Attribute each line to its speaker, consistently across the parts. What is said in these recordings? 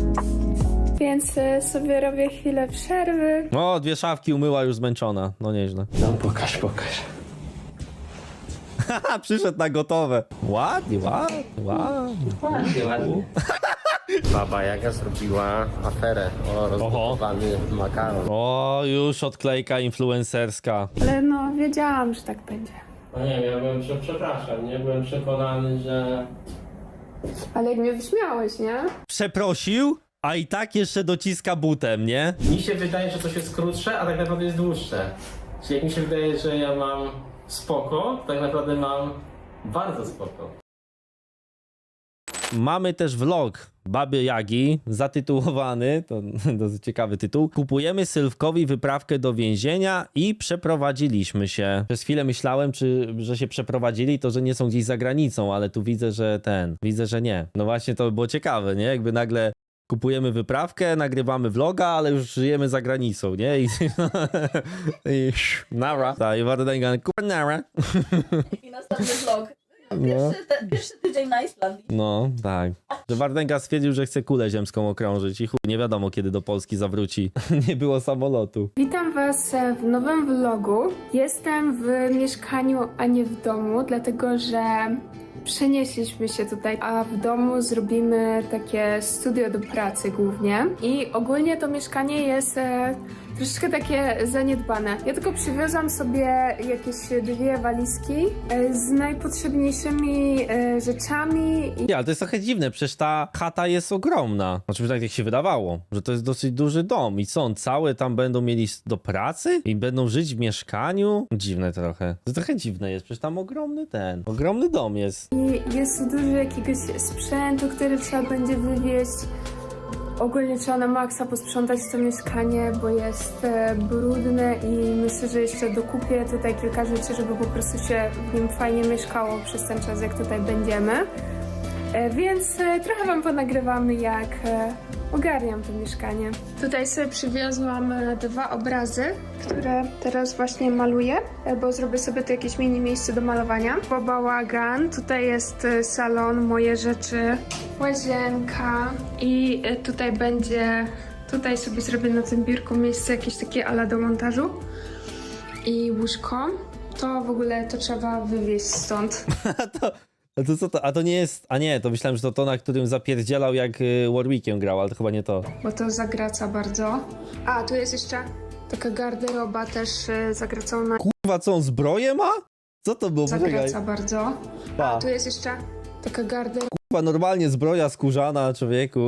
Speaker 1: Więc sobie robię chwilę przerwy.
Speaker 2: O, 2 szafki umyła, już zmęczona. No nieźle.
Speaker 3: No pokaż.
Speaker 2: Haha, przyszedł na gotowe. Ładnie.
Speaker 3: Ładnie. Baba Jaga zrobiła aferę o rozgotowany makaron.
Speaker 2: O, już odklejka influencerska.
Speaker 1: Ale no, wiedziałam, że tak będzie.
Speaker 3: No nie wiem, ja byłem, przepraszam, nie? Byłem przekonany, że...
Speaker 1: Ale jak mnie wyśmiałeś, nie?
Speaker 2: Przeprosił, a i tak jeszcze dociska butem, nie?
Speaker 3: Mi się wydaje, że coś jest krótsze, a tak naprawdę jest dłuższe. Czyli jak mi się wydaje, że ja mam spoko, tak naprawdę mam bardzo spoko.
Speaker 2: Mamy też vlog Baby Jagi, zatytułowany, to dosyć ciekawy tytuł. Kupujemy Sylwkowi wyprawkę do więzienia i przeprowadziliśmy się. Przez chwilę myślałem, że się przeprowadzili, to że nie są gdzieś za granicą, ale tu widzę, że nie. No właśnie to by było ciekawe, nie? Jakby nagle kupujemy wyprawkę, nagrywamy vloga, ale już żyjemy za granicą, nie? I nara. Tak, i Wardenga, nara.
Speaker 4: I następny vlog.
Speaker 2: No.
Speaker 4: Pierwszy tydzień na Islandii.
Speaker 2: No, tak. Że Wardenga stwierdził, że chce kulę ziemską okrążyć i chuj, nie wiadomo kiedy do Polski zawróci. Nie było samolotu.
Speaker 1: Witam Was w nowym vlogu. Jestem w mieszkaniu, a nie w domu, dlatego że przenieśliśmy się tutaj, a w domu zrobimy takie studio do pracy głównie. I ogólnie to mieszkanie jest troszeczkę takie zaniedbane. Ja tylko przywiozłam sobie jakieś 2 walizki z najpotrzebniejszymi rzeczami.
Speaker 2: Nie, ale to jest trochę dziwne, przecież ta chata jest ogromna. Znaczy, tak jak się wydawało, że to jest dosyć duży dom i co, on całe tam będą mieli do pracy i będą żyć w mieszkaniu? Dziwne trochę. To trochę dziwne jest, przecież tam ogromny dom jest.
Speaker 1: I jest tu dużo jakiegoś sprzętu, który trzeba będzie wywieźć. Ogólnie trzeba na maksa posprzątać to mieszkanie, bo jest brudne i myślę, że jeszcze dokupię tutaj kilka rzeczy, żeby po prostu się w nim fajnie mieszkało przez ten czas, jak tutaj będziemy. Więc trochę Wam ponagrywamy, jak ogarniam to mieszkanie. Tutaj sobie przywiozłam 2 obrazy, które teraz właśnie maluję, bo zrobię sobie tu jakieś mini miejsce do malowania. Bałagan, tutaj jest salon, moje rzeczy, łazienka i tutaj sobie zrobię na tym biurku miejsce jakieś takie ala do montażu i łóżko. To w ogóle to trzeba wywieźć stąd.
Speaker 2: A to co to? A to nie jest... A nie, to myślałem, że to na którym zapierdzielał jak Warwickiem grał, ale to chyba nie to.
Speaker 1: Bo to zagraca bardzo. A, tu jest jeszcze taka garderoba też zagracona.
Speaker 2: Kurwa, co on zbroję ma? Co to było?
Speaker 1: Zagraca bardzo.
Speaker 2: Pa.
Speaker 1: A, tu jest jeszcze taka garderoba.
Speaker 2: Kurwa, normalnie zbroja skórzana, człowieku.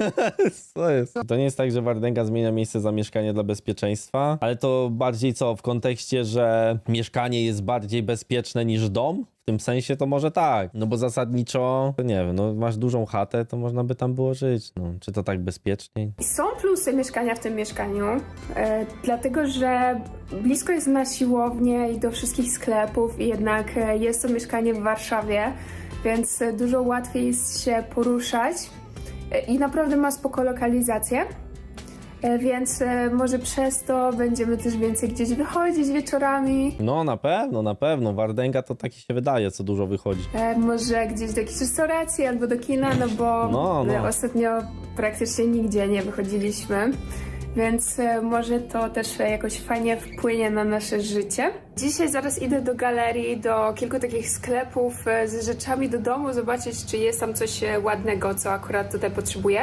Speaker 2: Co jest? To nie jest tak, że Wardenga zmienia miejsce zamieszkania dla bezpieczeństwa, ale to bardziej co? W kontekście, że mieszkanie jest bardziej bezpieczne niż dom? W tym sensie to może tak, no bo zasadniczo, to nie wiem, no masz dużą chatę, to można by tam było żyć, no. Czy to tak bezpieczniej?
Speaker 1: Są plusy mieszkania w tym mieszkaniu, dlatego że blisko jest na siłownię i do wszystkich sklepów i jednak jest to mieszkanie w Warszawie, więc dużo łatwiej jest się poruszać i naprawdę ma spoko lokalizację. Więc może przez to będziemy też więcej gdzieś wychodzić wieczorami.
Speaker 2: No na pewno. Wardenga to taki się wydaje, co dużo wychodzi.
Speaker 1: Może gdzieś do jakiejś restauracji albo do kina, no bo
Speaker 2: No.
Speaker 1: ostatnio praktycznie nigdzie nie wychodziliśmy. Więc może to też jakoś fajnie wpłynie na nasze życie. Dzisiaj zaraz idę do galerii, do kilku takich sklepów z rzeczami do domu, zobaczyć, czy jest tam coś ładnego, co akurat tutaj potrzebuję.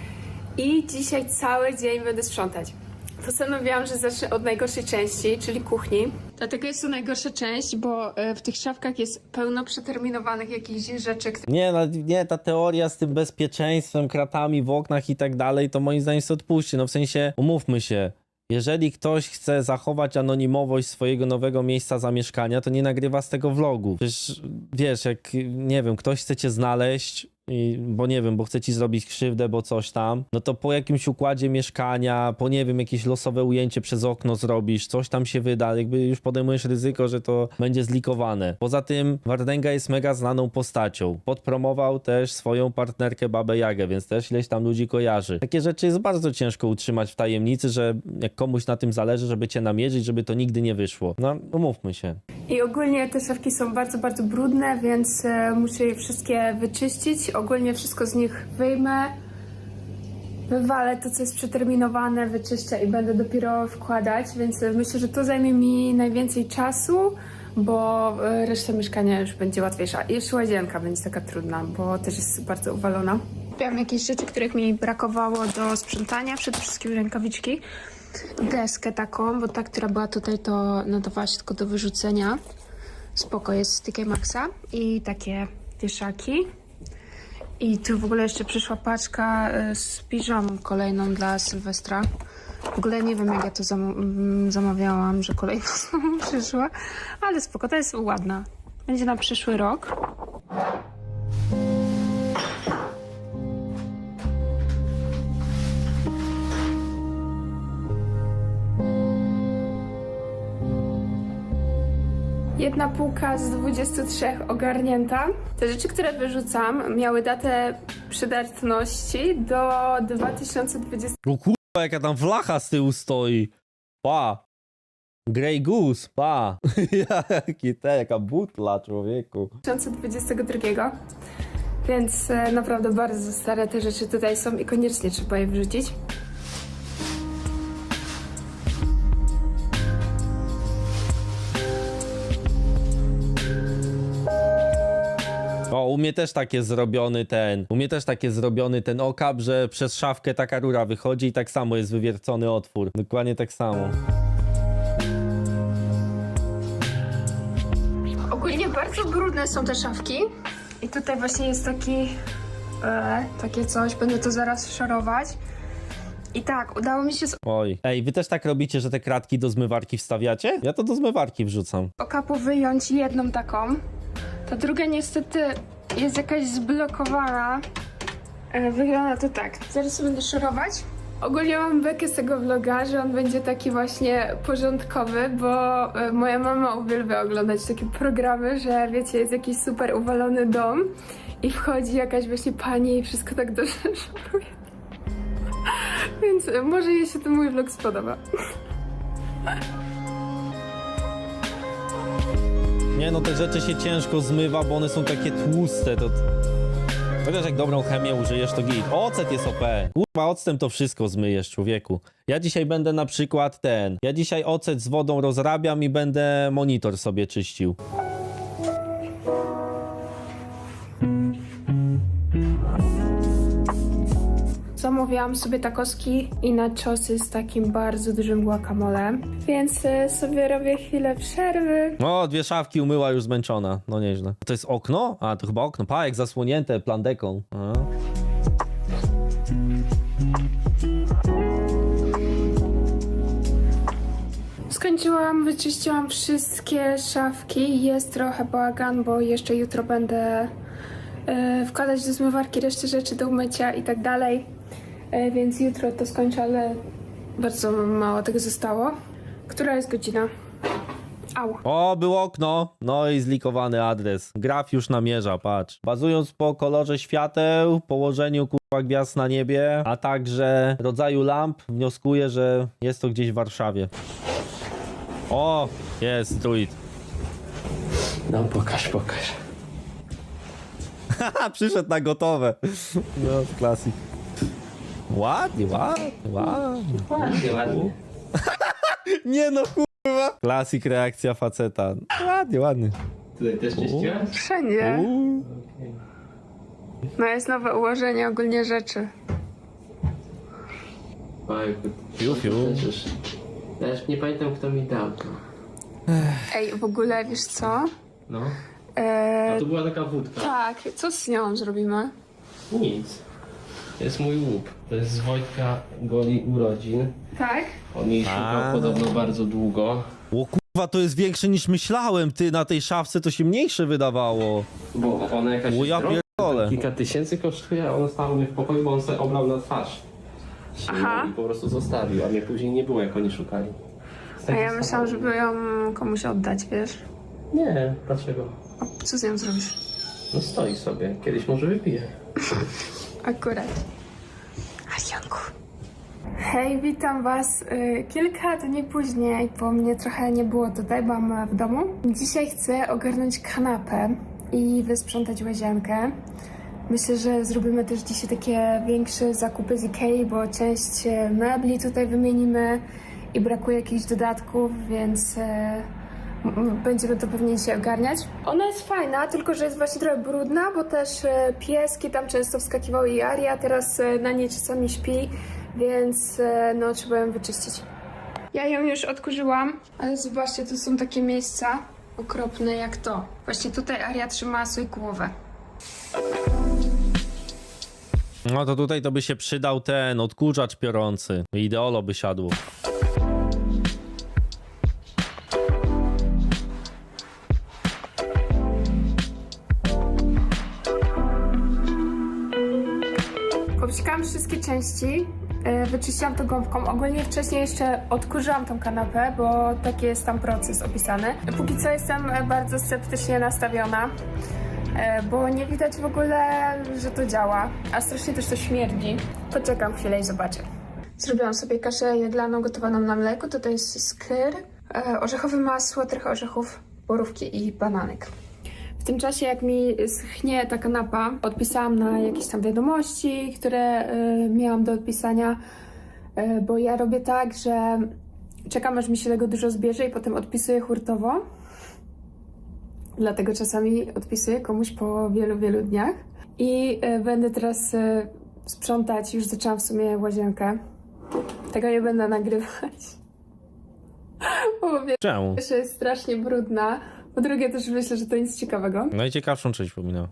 Speaker 1: I dzisiaj cały dzień będę sprzątać. Postanowiłam, że zacznę od najgorszej części, czyli kuchni. Dlatego jest to najgorsza część, bo w tych szafkach jest pełno przeterminowanych jakichś rzeczy.
Speaker 2: Nie, ta teoria z tym bezpieczeństwem, kratami w oknach i tak dalej, to moim zdaniem się odpuści. No w sensie, umówmy się, jeżeli ktoś chce zachować anonimowość swojego nowego miejsca zamieszkania, to nie nagrywa z tego vlogu. Przecież wiesz, jak, nie wiem, ktoś chce cię znaleźć, bo nie wiem, bo chce ci zrobić krzywdę, bo coś tam, no to po jakimś układzie mieszkania, po nie wiem, jakieś losowe ujęcie przez okno zrobisz, coś tam się wyda, jakby już podejmujesz ryzyko, że to będzie zlikowane. Poza tym Wardenga jest mega znaną postacią. Podpromował też swoją partnerkę Babę Jagę, więc też ileś tam ludzi kojarzy. Takie rzeczy jest bardzo ciężko utrzymać w tajemnicy, że jak komuś na tym zależy, żeby cię namierzyć, żeby to nigdy nie wyszło. No, umówmy się.
Speaker 1: I ogólnie te szafki są bardzo, bardzo brudne, więc muszę je wszystkie wyczyścić. Ogólnie wszystko z nich wyjmę, wywalę to, co jest przeterminowane, wyczyszczę i będę dopiero wkładać, więc myślę, że to zajmie mi najwięcej czasu, bo reszta mieszkania już będzie łatwiejsza. I jeszcze łazienka będzie taka trudna, bo też jest bardzo uwalona. Miałam jakieś rzeczy, których mi brakowało do sprzątania, przede wszystkim rękawiczki, deskę taką, bo ta, która była tutaj, to nadawała się tylko do wyrzucenia. Spoko, jest z TK Maxa i takie wieszaki. I tu w ogóle jeszcze przyszła paczka z piżamą kolejną dla Sylwestra. W ogóle nie wiem, jak ja to zamawiałam, że kolejna znowu przyszła, ale spoko, to jest ładna. Będzie na przyszły rok. Jedna półka z 23 ogarnięta. Te rzeczy, które wyrzucam, miały datę przydatności do 2020.
Speaker 2: O kurwa, jaka tam flacha z tyłu stoi. Pa. Grey Goose, pa. Jaka butla, człowieku.
Speaker 1: 2022. Więc naprawdę bardzo stare te rzeczy tutaj są i koniecznie trzeba je wrzucić.
Speaker 2: O, u mnie też takie zrobiony ten okap, że przez szafkę taka rura wychodzi i tak samo jest wywiercony otwór. Dokładnie tak samo.
Speaker 1: Ogólnie bardzo brudne są te szafki. I tutaj właśnie jest takie coś, będę to zaraz szorować. I tak, udało mi się z
Speaker 2: Oj. Ej, wy też tak robicie, że te kratki do zmywarki wstawiacie? Ja to do zmywarki wrzucam.
Speaker 1: okapu wyjąć jedną taką. Ta druga niestety jest jakaś zblokowana. Wygląda to tak. Zaraz sobie będę szorować. Ogólnie mam bekę z tego vloga, że on będzie taki właśnie porządkowy, bo moja mama uwielbia oglądać takie programy, że wiecie, jest jakiś super uwalony dom i wchodzi jakaś właśnie pani i wszystko tak dobrze szoruje. Więc może jej się ten mój vlog spodoba.
Speaker 2: Nie no, te rzeczy się ciężko zmywa, bo one są takie tłuste, to... Chociaż jak dobrą chemię użyjesz, to git. Ocet jest OP. Kurwa, octem to wszystko zmyjesz, człowieku. Ja dzisiaj będę na przykład ja dzisiaj ocet z wodą rozrabiam i będę monitor sobie czyścił.
Speaker 1: Zamówiłam sobie takoski i nachosy z takim bardzo dużym guacamole, więc sobie robię chwilę przerwy.
Speaker 2: O, 2 szafki umyła, już zmęczona. No nieźle. To jest okno? A, to chyba okno. Pa, jak zasłonięte plandeką. A.
Speaker 1: Skończyłam, wyczyściłam wszystkie szafki. Jest trochę bałagan, bo jeszcze jutro będę wkładać do zmywarki resztę rzeczy do umycia i tak dalej. Więc jutro to skończę, ale bardzo mało tego zostało. Która jest godzina? Au.
Speaker 2: O, było okno. No i zlikowany adres. Graf już namierza, patrz. Bazując po kolorze świateł, położeniu kurwa gwiazd na niebie, a także rodzaju lamp, wnioskuję, że jest to gdzieś w Warszawie. O, jest druid.
Speaker 3: No pokaż.
Speaker 2: Haha, przyszedł na gotowe. No, klasyk. Ładnie.
Speaker 3: Ładnie.
Speaker 2: Nie no, kurwa. Klasyk, reakcja faceta. Ładnie.
Speaker 3: Tutaj też czyściłaś?
Speaker 1: Wszędzie. No jest nowe ułożenie ogólnie rzeczy.
Speaker 3: Fiu.
Speaker 2: Fiu.
Speaker 3: Ja już nie pamiętam, kto mi dał to.
Speaker 1: Ej, w ogóle wiesz co?
Speaker 3: No. A to była taka wódka.
Speaker 1: Tak, co z nią zrobimy?
Speaker 3: Nic. To jest mój łup. To jest z Wojtka Goli urodzin.
Speaker 1: Tak?
Speaker 3: On jej szukał podobno bardzo długo.
Speaker 2: O kurwa, to jest większe niż myślałem, ty. Na tej szafce to się mniejsze wydawało.
Speaker 3: Bo ona jakaś
Speaker 2: O ja
Speaker 3: droga,
Speaker 2: pierdolę.
Speaker 3: kilka tysięcy kosztuje, a ona stała u mnie w pokoju, bo on sobie oblał na twarz.
Speaker 1: Aha.
Speaker 3: I po prostu zostawił, a mnie później nie było, jak oni szukali.
Speaker 1: A ja myślałam, żeby ją komuś oddać, wiesz?
Speaker 3: Nie, dlaczego?
Speaker 1: A co z nią zrobisz?
Speaker 3: No stoi sobie, kiedyś może wypije.
Speaker 1: Akurat. Janku. Hej, witam was kilka dni później, bo mnie trochę nie było tutaj, byłam w domu. Dzisiaj chcę ogarnąć kanapę i wysprzątać łazienkę. Myślę, że zrobimy też dzisiaj takie większe zakupy z Ikei, bo część mebli tutaj wymienimy i brakuje jakichś dodatków, więc będziemy to pewnie dzisiaj ogarniać. Ona jest fajna, tylko że jest właśnie trochę brudna, bo też pieski tam często wskakiwały i Aria teraz na niej czasami śpi, więc no trzeba ją wyczyścić. Ja ją już odkurzyłam, ale zobaczcie, tu są takie miejsca okropne jak to. Właśnie tutaj Aria trzymała sobie głowę.
Speaker 2: No to tutaj to by się przydał ten odkurzacz piorący. Ideolo by siadło.
Speaker 1: Popsikałam wszystkie części, wyczyściłam to gąbką. Ogólnie wcześniej jeszcze odkurzyłam tą kanapę, bo taki jest tam proces opisany. Póki co jestem bardzo sceptycznie nastawiona, bo nie widać w ogóle, że to działa, a strasznie też to śmierdzi. Poczekam chwilę i zobaczę. Zrobiłam sobie kaszę jaglaną gotowaną na mleku. Tutaj jest skyr, orzechowe masło, trochę orzechów, borówki i bananek. W tym czasie, jak mi schnie ta kanapa, odpisałam na jakieś tam wiadomości, które miałam do odpisania, bo ja robię tak, że czekam, aż mi się tego dużo zbierze i potem odpisuję hurtowo. Dlatego czasami odpisuję komuś po wielu, wielu dniach. I będę teraz sprzątać, już zaczęłam w sumie łazienkę. Tego nie będę nagrywać. Bo po
Speaker 2: Czemu?
Speaker 1: pierwsze jest strasznie brudna, po drugie też myślę, że to nic ciekawego.
Speaker 2: Najciekawszą część pominął.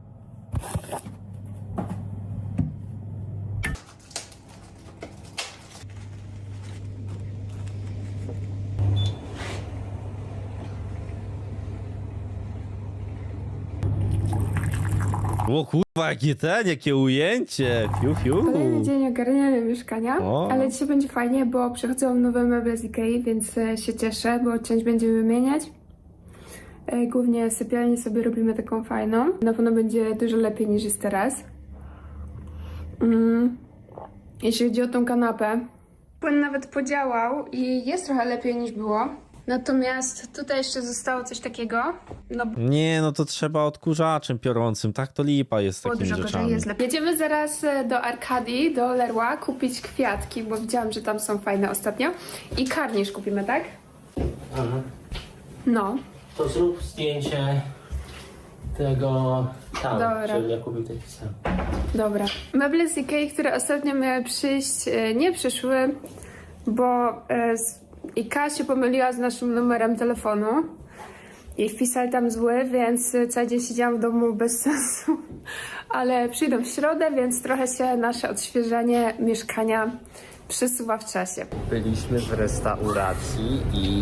Speaker 2: O kurwa, jakie ujęcie! Fiu, fiu.
Speaker 1: Kolejny dzień ogarniania mieszkania,
Speaker 2: O.
Speaker 1: ale dzisiaj będzie fajnie, bo przychodzą nowe meble z Ikei, więc się cieszę, bo część będziemy wymieniać. Głównie sypialnię sobie robimy taką fajną. Na pewno będzie dużo lepiej niż jest teraz. Jeśli chodzi o tą kanapę, płyn nawet podziałał i jest trochę lepiej niż było. Natomiast tutaj jeszcze zostało coś takiego. No
Speaker 2: Nie, no to trzeba odkurzaczem piorącym, tak to lipa jest z
Speaker 1: było
Speaker 2: takimi
Speaker 1: dużo gorzej,
Speaker 2: rzeczami.
Speaker 1: jest lepiej. Jedziemy zaraz do Arkadii, do Leroy, kupić kwiatki, bo widziałam, że tam są fajne ostatnio. I karnisz kupimy, tak?
Speaker 3: Aha.
Speaker 1: No.
Speaker 3: To zrób zdjęcie tego tam,
Speaker 1: Dobra.
Speaker 3: żebym ja kupił taki sam.
Speaker 1: Dobra. Meble z Ikei, które ostatnio miały przyjść, nie przyszły, bo Ikea się pomyliła z naszym numerem telefonu i wpisali tam zły, więc cały dzień siedziałam w domu bez sensu. Ale przyjdą w środę, więc trochę się nasze odświeżenie mieszkania przesuwa w czasie.
Speaker 5: Byliśmy w restauracji i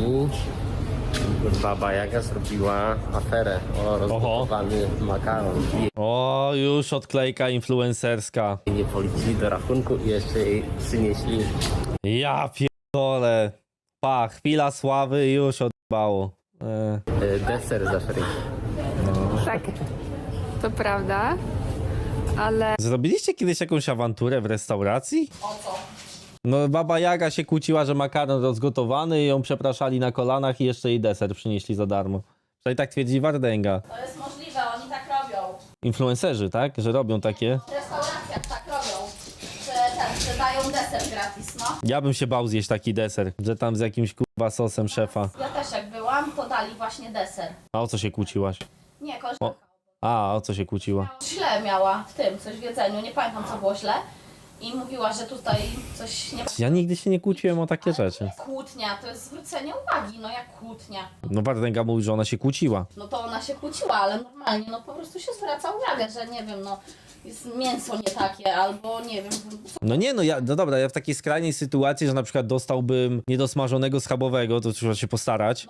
Speaker 5: Baba Jaga zrobiła aferę o rozgotowany makaron.
Speaker 2: O, już odklejka influencerska.
Speaker 5: I nie policili do rachunku i jeszcze jej przynieśli
Speaker 2: Ja pierdolę. Pa, chwila sławy i już odbało.
Speaker 5: deser za free.
Speaker 1: Tak, to prawda, ale
Speaker 2: Zrobiliście kiedyś jakąś awanturę w restauracji?
Speaker 4: O co?
Speaker 2: No, Baba Jaga się kłóciła, że makaron rozgotowany i ją przepraszali na kolanach i jeszcze jej deser przynieśli za darmo. Przynajmniej tak twierdzi Wardęga.
Speaker 4: To jest możliwe, oni tak robią.
Speaker 2: Influencerzy, tak? Że robią takie.
Speaker 4: W restauracjach tak robią. Że dają deser gratis, no.
Speaker 2: Ja bym się bał zjeść taki deser, że tam z jakimś kurwa sosem szefa.
Speaker 4: Ja też jak byłam, to dali właśnie deser.
Speaker 2: A o co się kłóciłaś?
Speaker 4: Nie, koleżanka.
Speaker 2: A o co się kłóciła?
Speaker 4: Źle miała w tym, coś w jedzeniu, nie pamiętam co było źle. I mówiła, że tutaj coś nie...
Speaker 2: Ja nigdy się nie kłóciłem o takie rzeczy.
Speaker 4: Kłótnia, to jest zwrócenie uwagi, no jak kłótnia.
Speaker 2: No Wardęga mówi, że ona się kłóciła.
Speaker 4: No to ona się kłóciła, ale normalnie, no po prostu się zwraca uwagę, że nie wiem, no jest mięso nie takie, albo nie wiem,
Speaker 2: No nie, no dobra, ja w takiej skrajnej sytuacji, że na przykład dostałbym niedosmażonego schabowego, to trzeba się postarać,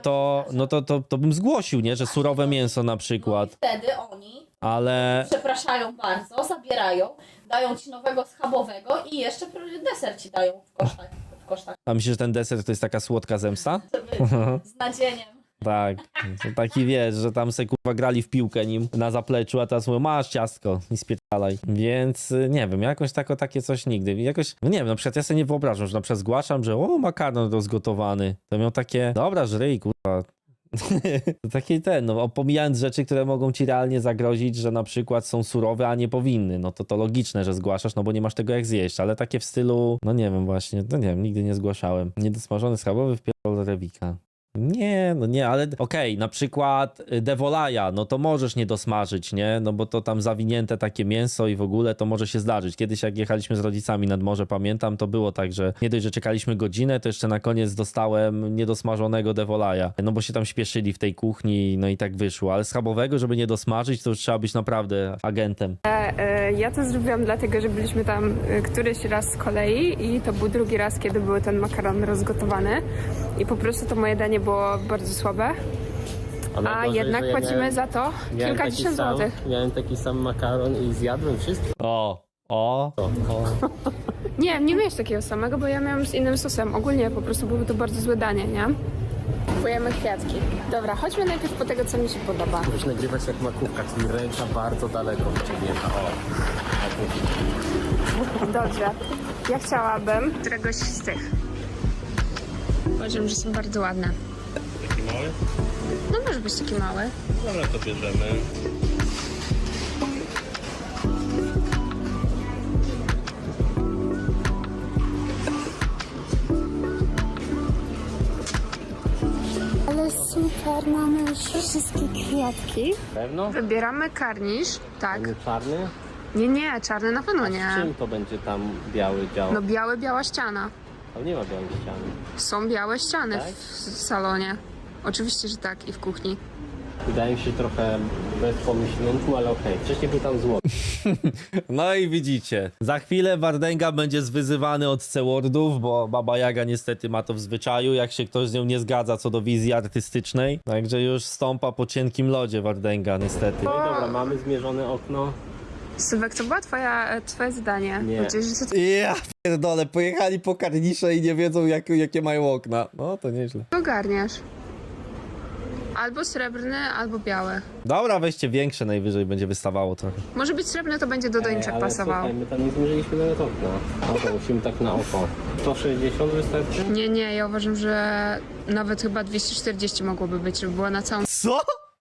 Speaker 2: to bym zgłosił, nie, że surowe mięso na przykład,
Speaker 4: wtedy oni
Speaker 2: ale
Speaker 4: przepraszają bardzo, zabierają, dają ci nowego schabowego i jeszcze deser ci dają w kosztach,
Speaker 2: a myślisz, że ten deser to jest taka słodka zemsta?
Speaker 4: żeby z nadzieniem.
Speaker 2: Tak, to taki wiesz, że tam se kurwa grali w piłkę nim na zapleczu, a teraz mówią, masz ciastko i spierdalaj. Więc nie wiem, jakoś takie coś nigdy. Jakoś, no nie wiem, na przykład ja sobie nie wyobrażam, że na przykład zgłaszam, że o, makaron rozgotowany. To miał takie, dobra, żryj, kurwa. To taki no pomijając rzeczy, które mogą ci realnie zagrozić, że na przykład są surowe, a nie powinny, no to logiczne, że zgłaszasz, no bo nie masz tego jak zjeść, ale takie w stylu, no nie wiem właśnie, no nie wiem, nigdy nie zgłaszałem. Niedosmażony schabowy wpierdol rewika. Nie, no nie, ale okej, na przykład devolaja, no to możesz nie dosmażyć, nie? No bo to tam zawinięte takie mięso i w ogóle to może się zdarzyć. Kiedyś jak jechaliśmy z rodzicami nad morze, pamiętam, to było tak, że nie dość, że czekaliśmy godzinę, to jeszcze na koniec dostałem niedosmażonego devolaja. No bo się tam śpieszyli w tej kuchni, no i tak wyszło. Ale schabowego, żeby nie dosmażyć, to już trzeba być naprawdę agentem.
Speaker 1: Ja to zrobiłam dlatego, że byliśmy tam któryś raz z kolei i to był drugi raz, kiedy był ten makaron rozgotowany i po prostu to moje danie było bardzo słabe, a
Speaker 5: najgorzej,
Speaker 1: jednak
Speaker 5: że ja
Speaker 1: płacimy za to kilkadziesiąt złotych.
Speaker 5: Miałem taki sam makaron i zjadłem wszystko.
Speaker 2: O.
Speaker 1: Nie miałeś takiego samego, bo ja miałam z innym sosem. Ogólnie po prostu było to bardzo złe danie, nie? Kupujemy kwiatki. Dobra, chodźmy najpierw po tego, co mi się podoba.
Speaker 5: Musisz nagrywać jak makówka, czyli ręka bardzo daleko wyciągnięta.
Speaker 1: Dobrze. Ja chciałabym któregoś z tych. Uważam, że są bardzo ładne.
Speaker 5: Taki mały?
Speaker 1: No może być taki mały.
Speaker 5: Dobra, to bierzemy.
Speaker 1: Ale super, mamy już wszystkie kwiatki.
Speaker 5: Pewno?
Speaker 1: Wybieramy karnisz. Tak.
Speaker 5: Nie czarny?
Speaker 1: Nie, czarny na pewno
Speaker 5: Z
Speaker 1: nie.
Speaker 5: czym to będzie tam biały dział?
Speaker 1: No biała ściana.
Speaker 5: Tam nie ma białej ściany.
Speaker 1: Są białe ściany
Speaker 5: Tak?
Speaker 1: w salonie. Oczywiście, że tak i w kuchni.
Speaker 5: Wydaje mi się trochę bez pomyślunku, ale okej. Wcześniej był tam złoty.
Speaker 2: No i widzicie, za chwilę Wardęga będzie zwyzywany od C-wordów, bo Baba Jaga niestety ma to w zwyczaju, jak się ktoś z nią nie zgadza co do wizji artystycznej. Także już stąpa po cienkim lodzie Wardęga niestety.
Speaker 5: No i dobra, mamy zmierzone okno.
Speaker 1: Sylwek, to była twoje zdanie.
Speaker 5: Nie.
Speaker 1: Powiedziałeś, że to
Speaker 2: Ja pierdolę, pojechali po karnisze i nie wiedzą jakie mają okna. No to nieźle.
Speaker 1: ogarniasz. Albo srebrny, albo biały.
Speaker 2: Dobra, weźcie większe, najwyżej będzie wystawało trochę.
Speaker 1: Może być srebrny, to będzie do doniczek
Speaker 5: ale
Speaker 1: pasował.
Speaker 5: słuchaj, my tam nie zmierzyliśmy nawet okna. No to musimy tak na oko. 160 wystarczy?
Speaker 1: Nie, ja uważam, że nawet chyba 240 mogłoby być, żeby była na całą
Speaker 2: Co?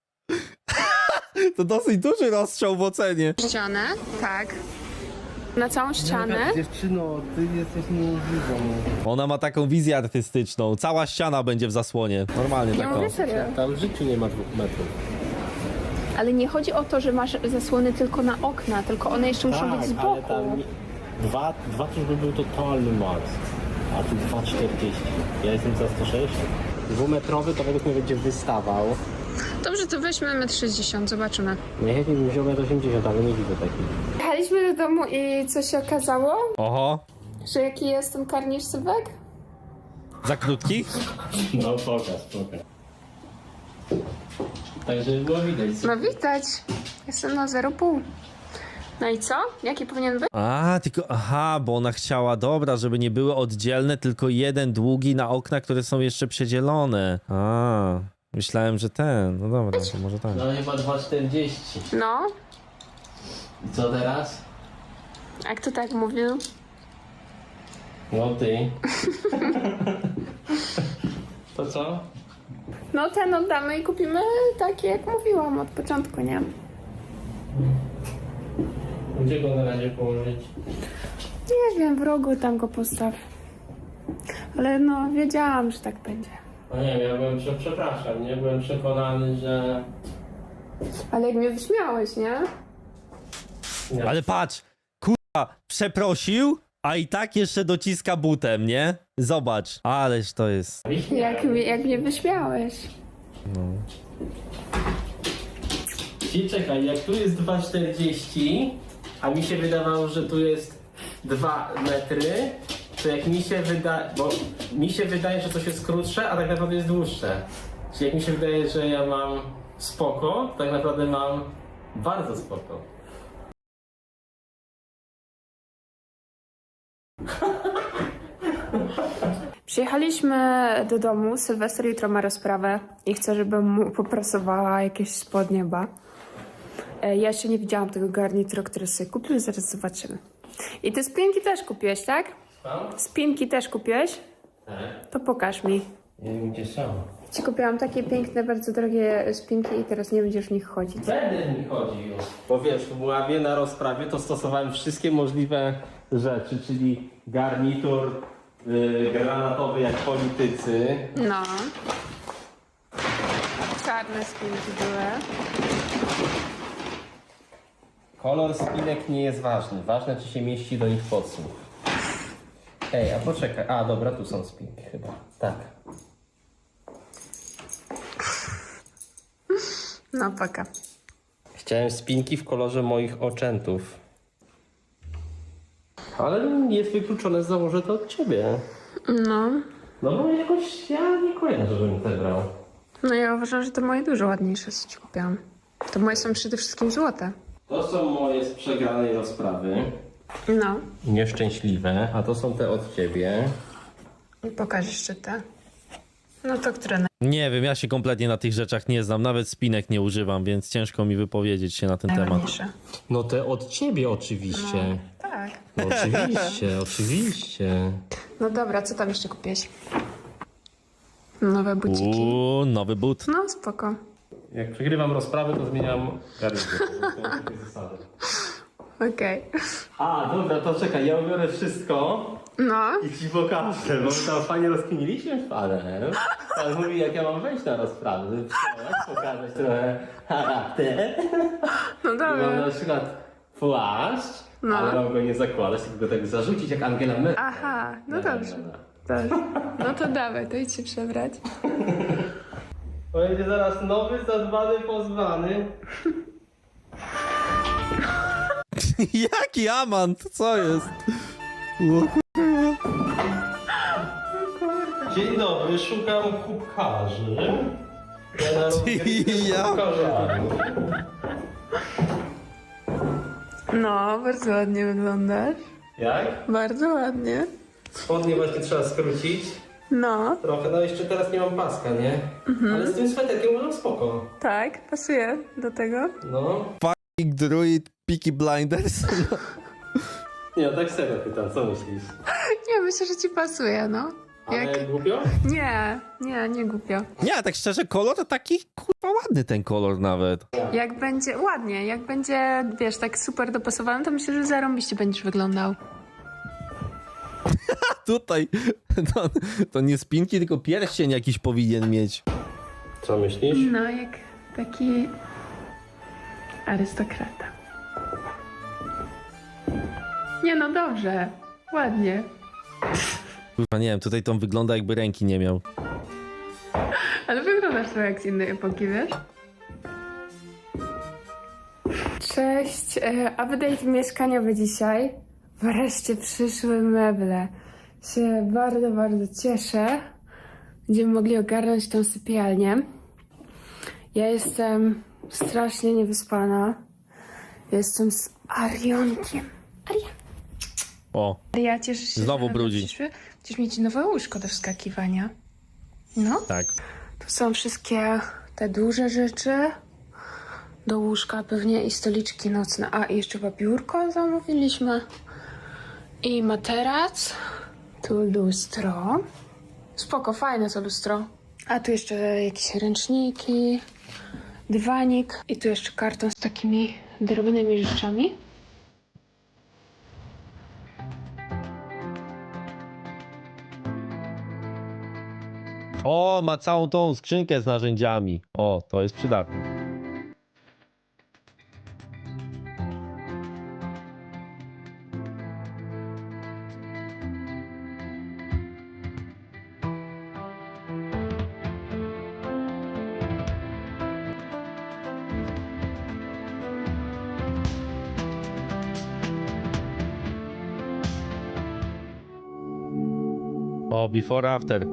Speaker 2: To dosyć duży rozstrzał w ocenie.
Speaker 1: ścianę. Tak. Na całą ścianę.
Speaker 5: Dziewczyno, ty jesteś niemożliwą.
Speaker 2: Ona ma taką wizję artystyczną. Cała ściana będzie w zasłonie. Normalnie
Speaker 1: Ja
Speaker 2: taką.
Speaker 1: mówię serio.
Speaker 5: Tam w życiu nie ma 2 metrów.
Speaker 1: Ale nie chodzi o to, że masz zasłony tylko na okna, tylko one jeszcze muszą być z
Speaker 5: Tak, ale
Speaker 1: boku.
Speaker 5: tam dwa to już by był totalny max. A tu 2,40. Ja jestem za 106. 2-metrowy to według mnie będzie wystawał.
Speaker 1: Dobrze, to weźmy 1,60 m, zobaczymy.
Speaker 5: Najchętniej bym wziął 1,80 ale nie widzę takich.
Speaker 1: Jechaliśmy do domu i co się okazało?
Speaker 2: Oho.
Speaker 1: Że jaki jest ten karnisz, Sylwek?
Speaker 2: Za krótki?
Speaker 5: No pokaż. Także było widać.
Speaker 1: No widać. Jestem na 0,5. No i co? Jaki powinien być?
Speaker 2: A, tylko, aha, bo ona chciała, dobra, żeby nie były oddzielne, tylko jeden długi na okna, które są jeszcze przedzielone. A, myślałem, że ten, no dobra, to może tak.
Speaker 5: No chyba 2,40.
Speaker 1: No,
Speaker 5: I co teraz?
Speaker 1: jak to tak mówił?
Speaker 5: No ty. To co?
Speaker 1: No ten oddamy i kupimy takie, jak mówiłam od początku, nie?
Speaker 5: Gdzie go na razie położyć?
Speaker 1: Nie wiem, w rogu tam go postaw. Ale no, wiedziałam, że tak będzie.
Speaker 5: No nie wiem, ja byłem, przepraszam, nie? Byłem przekonany, że...
Speaker 1: Ale jak mnie wyśmiałeś, nie?
Speaker 5: Nie.
Speaker 2: Ale patrz, kurwa, przeprosił, a i tak jeszcze dociska butem, nie? Zobacz, ależ to jest.
Speaker 1: Jak mnie wyśmiałeś.
Speaker 3: I czekaj, jak tu jest 2,40, a mi się wydawało, że tu jest 2 metry, to jak mi się wydaje, bo mi się wydaje, że coś jest krótsze, a tak naprawdę jest dłuższe. Czyli jak mi się wydaje, że ja mam spoko, to tak naprawdę mam bardzo spoko.
Speaker 1: Przyjechaliśmy do domu, Sylwester jutro ma rozprawę i chce, żebym mu poprasowała jakieś spod nieba. Ja jeszcze nie widziałam tego garnitura, który sobie kupił, zaraz zobaczymy. I te spinki też kupiłeś, tak?
Speaker 3: Tam?
Speaker 1: Spinki też kupiłeś?
Speaker 3: Tak.
Speaker 1: To pokaż mi.
Speaker 5: Nie wiem gdzie są.
Speaker 1: Ci kupiłam takie piękne, bardzo drogie spinki i teraz nie będziesz w nich chodzić.
Speaker 3: Będę mi chodził. Bo wiesz, w ławie na rozprawie to stosowałem wszystkie możliwe rzeczy, czyli garnitur granatowy jak politycy.
Speaker 1: No. Czarne spinki były.
Speaker 3: Kolor spinek nie jest ważny. Ważne, czy się mieści do nich podsłuch. Ej, a poczekaj. A, dobra, tu są spinki chyba. Tak.
Speaker 1: No, paka.
Speaker 3: Chciałem spinki w kolorze moich oczętów. Ale jest wykluczone, założę to od ciebie.
Speaker 1: No.
Speaker 3: No bo jakoś ja nie kojarzę, żebym te brał.
Speaker 1: No ja uważam, że to moje dużo ładniejsze, co ci kupiłam. To moje są przede wszystkim złote.
Speaker 3: To są moje z przegranej rozprawy.
Speaker 1: No.
Speaker 3: Nieszczęśliwe, a to są te od ciebie.
Speaker 1: I pokaż jeszcze te. No to które
Speaker 2: Nie wiem, ja się kompletnie na tych rzeczach nie znam, nawet spinek nie używam, więc ciężko mi wypowiedzieć się na ten temat.
Speaker 1: najładniejsze.
Speaker 3: No te od ciebie oczywiście.
Speaker 1: Tak.
Speaker 3: No, oczywiście, oczywiście.
Speaker 1: No dobra, co tam jeszcze kupiłeś? Nowe buciki.
Speaker 2: Nowy but.
Speaker 1: No, spoko.
Speaker 3: Jak przegrywam rozprawę, to zmieniam garnitur. To są takie zasady.
Speaker 1: Okej.
Speaker 3: A, dobra, to czekaj, ja ubiorę wszystko
Speaker 1: No.
Speaker 3: i ci pokażę, bo my tam fajnie rozkminiliśmy z panem. Pan mówi, jak ja mam wejść na rozprawę, żeby pokazać trochę charakter.
Speaker 1: No
Speaker 3: I mam
Speaker 1: dobra.
Speaker 3: na przykład płaszcz,
Speaker 1: No.
Speaker 3: ale mam go nie zakładać, tylko go tak zarzucić jak Angela Merkel.
Speaker 1: Aha, no dobrze. Dobrze. No to dawaj, to idź się przebrać.
Speaker 3: Będzie zaraz nowy, zadbany, pozwany.
Speaker 2: Jaki amant? Co jest?
Speaker 3: Dzień dobry, szukam kubkarzy. Ja na
Speaker 2: Ja.
Speaker 3: kubkarzami.
Speaker 1: No, bardzo ładnie wyglądasz.
Speaker 3: Jak?
Speaker 1: Bardzo ładnie.
Speaker 3: Spodnie właśnie trzeba skrócić.
Speaker 1: No,
Speaker 3: Trochę, no jeszcze teraz nie mam paska, nie? Ale z tym sweterkiem uważam spoko.
Speaker 1: tak, pasuje do tego.
Speaker 3: No.
Speaker 2: Big Druid, Peaky Blinders.
Speaker 3: Nie, tak serio pytam, co myślisz?
Speaker 1: Nie, myślę, że ci pasuje, no.
Speaker 3: Ale
Speaker 1: Jak...
Speaker 3: głupio?
Speaker 1: Nie głupio.
Speaker 2: Nie, tak szczerze, kolor to taki kurwa ładny ten kolor nawet.
Speaker 1: Jak będzie, ładnie, jak będzie, wiesz, tak super dopasowany, to myślę, że zarąbiście będziesz wyglądał.
Speaker 2: Tutaj to nie spinki, tylko pierścień jakiś powinien mieć.
Speaker 3: Co myślisz?
Speaker 1: No, jak taki arystokrata. Nie no, dobrze, ładnie.
Speaker 2: Kurwa, nie wiem, tutaj to wygląda jakby ręki nie miał.
Speaker 1: Ale wyglądasz trochę jak z innej epoki, wiesz? Cześć, update mieszkaniowy dzisiaj. Wreszcie przyszły meble. Się bardzo, bardzo cieszę. Będziemy mogli ogarnąć tą sypialnię. Ja jestem strasznie niewyspana. Jestem z Arionkiem.
Speaker 2: O,
Speaker 1: Aria, cieszysz się,
Speaker 2: Znowu
Speaker 1: że
Speaker 2: brudzi.
Speaker 1: przyszły? Będziesz mieć nowe łóżko do wskakiwania. No.
Speaker 2: tak.
Speaker 1: Tu są wszystkie te duże rzeczy. Do łóżka pewnie i stoliczki nocne. A, i jeszcze chyba biurko zamówiliśmy. I materac. Tu lustro. Spoko, fajne to lustro. A tu jeszcze jakieś ręczniki. Dywanik. I tu jeszcze karton z takimi drobnymi rzeczami.
Speaker 2: O, ma całą tą skrzynkę z narzędziami. O, to jest przydatne. O, before, after.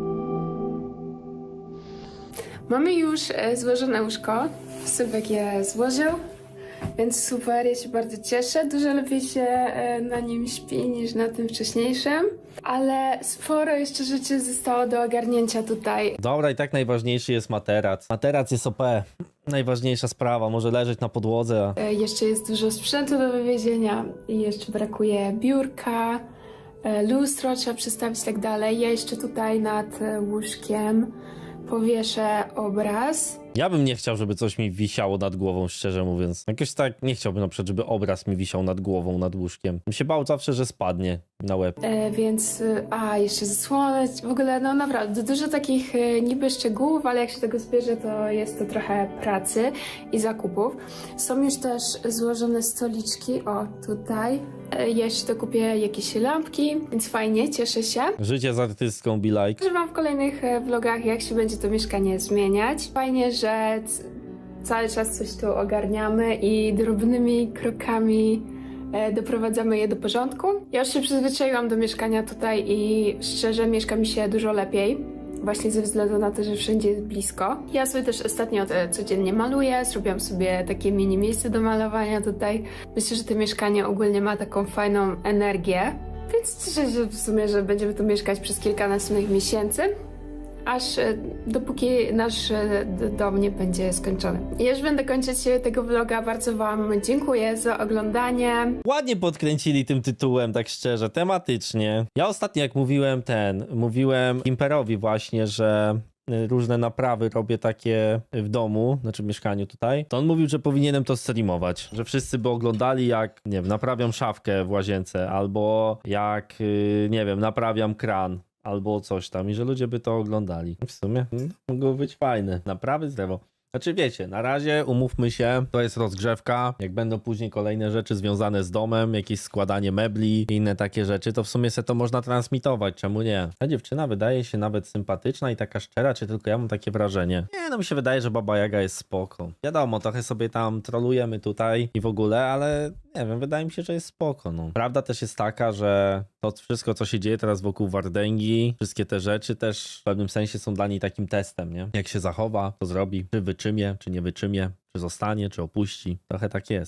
Speaker 1: Mamy już złożone łóżko. Sylwek je złożył, więc super, ja się bardzo cieszę. Dużo lepiej się na nim śpi niż na tym wcześniejszym, ale sporo jeszcze rzeczy zostało do ogarnięcia tutaj.
Speaker 2: Dobra, i tak najważniejszy jest materac. Materac jest OP. Najważniejsza sprawa, może leżeć na podłodze.
Speaker 1: Jeszcze jest dużo sprzętu do wywiezienia i jeszcze brakuje biurka, lustro trzeba przestawić i tak dalej. Ja jeszcze tutaj nad łóżkiem powieszę obraz.
Speaker 2: Ja bym nie chciał, żeby coś mi wisiało nad głową, szczerze mówiąc. Jakoś tak nie chciałbym na przykład, żeby obraz mi wisiał nad głową, nad łóżkiem. Bym się bał zawsze, że spadnie na łeb.
Speaker 1: Więc, jeszcze zasłonę, w ogóle, no naprawdę, dużo takich niby szczegółów, ale jak się tego zbierze, to jest to trochę pracy i zakupów. Są już też złożone stoliczki, o, tutaj. Ja jeszcze dokupię jakieś lampki, więc fajnie, cieszę się.
Speaker 2: Życie z artystką, be like.
Speaker 1: Używam w kolejnych vlogach, jak się będzie to mieszkanie zmieniać. Fajnie, że cały czas coś tu ogarniamy i drobnymi krokami doprowadzamy je do porządku. Ja już się przyzwyczaiłam do mieszkania tutaj i szczerze mieszka mi się dużo lepiej. Właśnie ze względu na to, że wszędzie jest blisko. Ja sobie też ostatnio codziennie maluję, zrobiłam sobie takie mini miejsce do malowania tutaj. Myślę, że to mieszkanie ogólnie ma taką fajną energię. Więc cieszę się w sumie, że będziemy tu mieszkać przez kilka następnych miesięcy, aż dopóki nasz dom nie będzie skończony. Ja już będę kończyć tego vloga. Bardzo wam dziękuję za oglądanie.
Speaker 2: Ładnie podkręcili tym tytułem, tak szczerze, tematycznie. Ja ostatnio jak mówiłem Imperowi właśnie, że różne naprawy robię takie w domu, znaczy w mieszkaniu tutaj, to on mówił, że powinienem to streamować, że wszyscy by oglądali jak, nie wiem, naprawiam szafkę w łazience, albo jak, nie wiem, naprawiam kran, albo coś tam i że ludzie by to oglądali. W sumie mogło być fajne. Naprawy drewo. Znaczy wiecie, na razie umówmy się, to jest rozgrzewka, jak będą później kolejne rzeczy związane z domem, jakieś składanie mebli i inne takie rzeczy, to w sumie se to można transmitować, czemu nie? Ta dziewczyna wydaje się nawet sympatyczna i taka szczera, czy tylko ja mam takie wrażenie? Nie, no mi się wydaje, że Baba Jaga jest spoko. Wiadomo, trochę sobie tam trolujemy tutaj i w ogóle, ale nie wiem, wydaje mi się, że jest spoko, no. Prawda też jest taka, że to wszystko, co się dzieje teraz wokół Wardęgi, wszystkie te rzeczy też w pewnym sensie są dla niej takim testem, nie? Jak się zachowa, co zrobi, czy wyczymie, czy nie wyczymie, czy zostanie, czy opuści. Trochę tak jest.